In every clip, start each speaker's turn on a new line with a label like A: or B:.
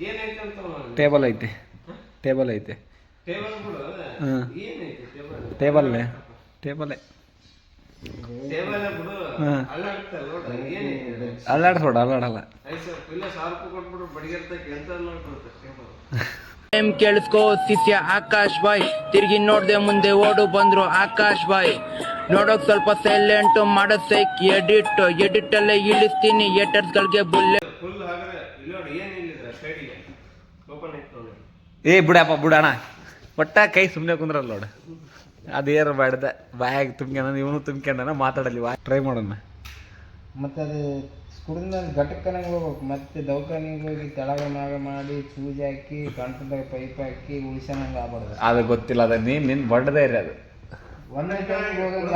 A: Table ಐತೆ table ಐತೆ ಹಾಂ ಟೇಬಲ್ಲೇ ಟೇಬಲ್ಲೇ ಹಾಂ ಅಲ್ಲಾಡ್ಸೋಡ ಅಲ್ಲಾಡಲ್ಲ
B: ಕೇಳಿಸ್ಕೋ ಶಿಷ್ಯ ಆಕಾಶ್ ಬಾಯ್ ತಿರುಗಿ ನೋಡ್ದೆ ಮುಂದೆ ಓಡು ಬಂದ್ರು ಆಕಾಶ್ ಬಾಯ್ ನೋಡೋಕ್ ಸ್ವಲ್ಪ ಸೈಲೆಂಟ್ ಮಾಡೋದ್ ಸೈಕ್ ಎಡಿಟ್ ಅಲ್ಲೇ ಇಳಿಸ್ತೀನಿ ಏಟರ್ಸ್ ಗಳಿಗೆ ಬುಲ್ಲೆ
A: ಏ ಬಿಡಪ್ಪ ಬಿಡಣ ಒಟ್ಟ ಕೈ ಸುಮ್ಮನೆ ಕುಂದ್ರಲ್ಲ ನೋಡು ಅದೇನು ಬೇಡ್ದ ಬಾಯಾಗಿ ತುಂಬ್ಕೊಂಡ ಇವನು ತುಂಬ್ಕೊಂಡನ ಮಾತಾಡಲಿ ಟ್ರೈ ಮಾಡೋಣ
C: ಮತ್ತು ಅದು ಕುಡಿದ ಘಟಕನಾಗ ಹೋಗ್ಬೇಕು ಮತ್ತೆ ದವಾಖಾನಿಗೆ ಹೋಗಿ ತೆಳಗ ಮ್ಯಾಗ ಮಾಡಿ ಸೂಜಿ ಹಾಕಿ ಕಂಠದಾಗ ಪೈಪ್ ಹಾಕಿ ಉಳಿಸೋಣಂಗೆ ಆಗ್ಬಾರ್ದು.
A: ಅದು ಗೊತ್ತಿಲ್ಲ ಅದ ನಿನ್ನ ಬಡ್ದೇ ಇರಿ ಅದು
C: ಒಂದೇ ಟೈಮಿಗೆ ಹೋಗೋದು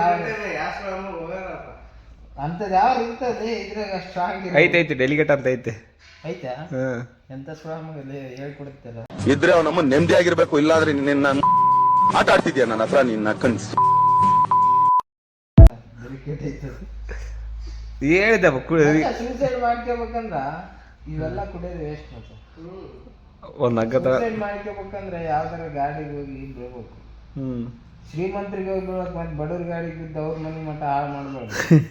C: ಅಂಥದ್ದು ಯಾವ ಇರ್ತದೆ ಇದ್ರಾಗ ಸ್ಟ್ರಾಂಗ್
A: ಐತೆ ಡೆಲಿಗೇಟ್ ಅಂತ ಐತೆ
C: ಐತಾ ಎಂತ ಸ್ಟ್ರಾಂಗ್ ಹೇಳ್ಕೊಡುತ್ತಲ್ಲ
D: ಇದ್ರೆ ಅವ್ ನಮ್ಮ ನೆಮ್ಮದಿ ಆಗಿರ್ಬೇಕು ಇಲ್ಲಾಂದ್ರೆ ನಿನ್ನ ಆಟ ಆಡ್ತಿದ್ಯಾ ನನ್ನ ಹತ್ರ ನಿನ್ನ ಕನ್ಸ್
A: ಹೇಳಿದಪ್ಪ
C: ಸೂಸೈಡ್ ಮಾಡ್ಕೋಬೇಕಂದ್ರ ಇವೆಲ್ಲ ಕುಡಿಯೋದು ವೇಸ್ಟ್ ಮತ್ತೆ
A: ಒಂದು ಹಗ್ಗ
C: ಸೂಸೈಡ್ ಮಾಡ್ಕೋಬೇಕಂದ್ರೆ ಯಾವ್ದಾರ ಗಾಡಿಗೆ ಹೋಗಿ ಬೀಳ್ಬೇಕು. ಶ್ರೀಮಂತರಿಗೆ ಹೋಗಿ ಬೀಳ್ಬೇಕು ಮತ್ತೆ ಬಡವ್ರ ಗಾಡಿಗೆ ಬಿದ್ದು ಅವ್ರ ಮನೆ ಮಟ್ಟ ಹಾಳು ಮಾಡ್ಬಾರ್ದು.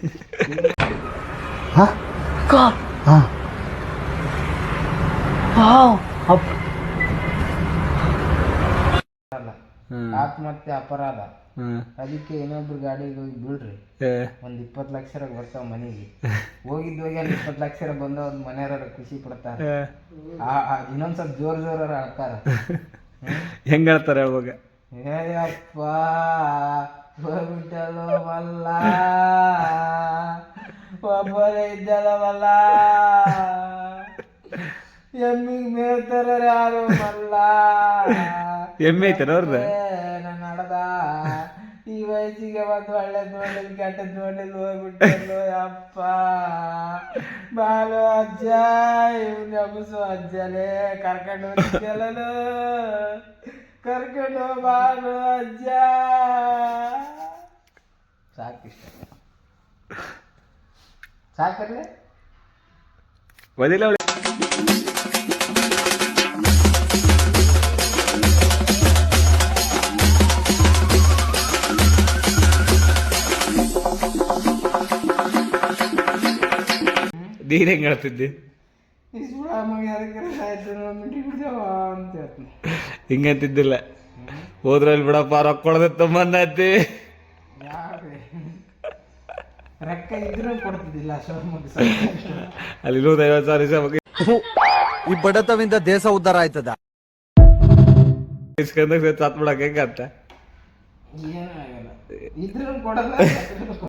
C: ಆತ್ಮಹತ್ಯೆ ಅಪರಾಧ. ಅದಕ್ಕೆ ಇನ್ನೊಬ್ರು ಗಾಡಿಗೆ ಹೋಗಿ ಬೀಳ್ರಿ ಒಂದ್ 20 ಲಕ್ಷ ಬರ್ತಾವ ಮನೆಗೆ ಹೋಗಿ ಅಲ್ಲಿ 20 ಲಕ್ಷ ಬಂದ ಒಂದ್ ಮನೆಯವ್ರ ಖುಷಿ ಪಡ್ತಾರೆ. ಇನ್ನೊಂದ್ ಸ್ವಲ್ಪ ಜೋರ್ ಅಳ್ತಾರ.
A: ಹೆಂಗ ಹೇಳ್ತಾರೆ ಹೇಳ್ವಾಗ
C: ಏಯಪ್ಪ ಹೋಗ್ಬಿಟ್ಟಲು ಮಲ್ಲ ಒಬ್ಬರೇ ಇದ್ದಲ್ಲ ಮಲ್ಲ ಎಮ್ಮಿಗೆ ಮೇಳ್ತಾರ ಯಾರು ಮಲ್ಲ
A: ಎಮ್ಮೆ ಐತೆ ನೋಡ್ದ
C: ನಾನು ನಡ್ದ ಈ ವಯಸ್ಸಿಗೆ ಒಂದು ಒಳ್ಳೇದು ನೋಡಿದ್ ಕೆಟ್ಟದ್ ನೋಡಿದ್ ಹೋಗ್ಬಿಟ್ಟಲು ಅಪ್ಪ ಬಾಲು ಅಜ್ಜ ಇವ್ನ ಅಬಸು ಅಜ್ಜಲೇ ಕರ್ಕೊಂಡು ಹೋಗಿದ್ದೆಲ್ಲನು ಕರ್ಕೊಂಡು ಬಾಲು ಅಜ್ಜ ಸಾಕಿಷ್ಟ ಸಾಕರ್ಲೆ
A: ಒದಿಲ್ಲ ನೀನ್ ಹೆಂಗ್ ಹೇಳ್ತಿದ್ದಿ ಹಿಂಗಂತಿದ್ದಿಲ್ಲ ಹೋದ್ರಲ್ಲಿ ಬಿಡಪ್ಪ ರೊಕ್ಕ ಕೊಡದೆ ತುಂಬಂದೈತಿ
C: ರೊಕ್ಕ ಇದ್ರೂ ಕೊಡ್ತಿದ್ದಿಲ್ಲ
A: ಅಲ್ಲಿ 50,000
E: ಈ ಬಡತವಿಂದ ದೇಶ ಉದ್ಧಾರ ಆಯ್ತದ
A: ಇಸ್ಕೊಂಡಾಗ ಸತ್ ಬಿಡಕ್ ಹೆಂಗಂತ
C: ಏನೂ ಆಗಲ್ಲ ಇದ್ರೂ ಕೊಡಲ್ಲ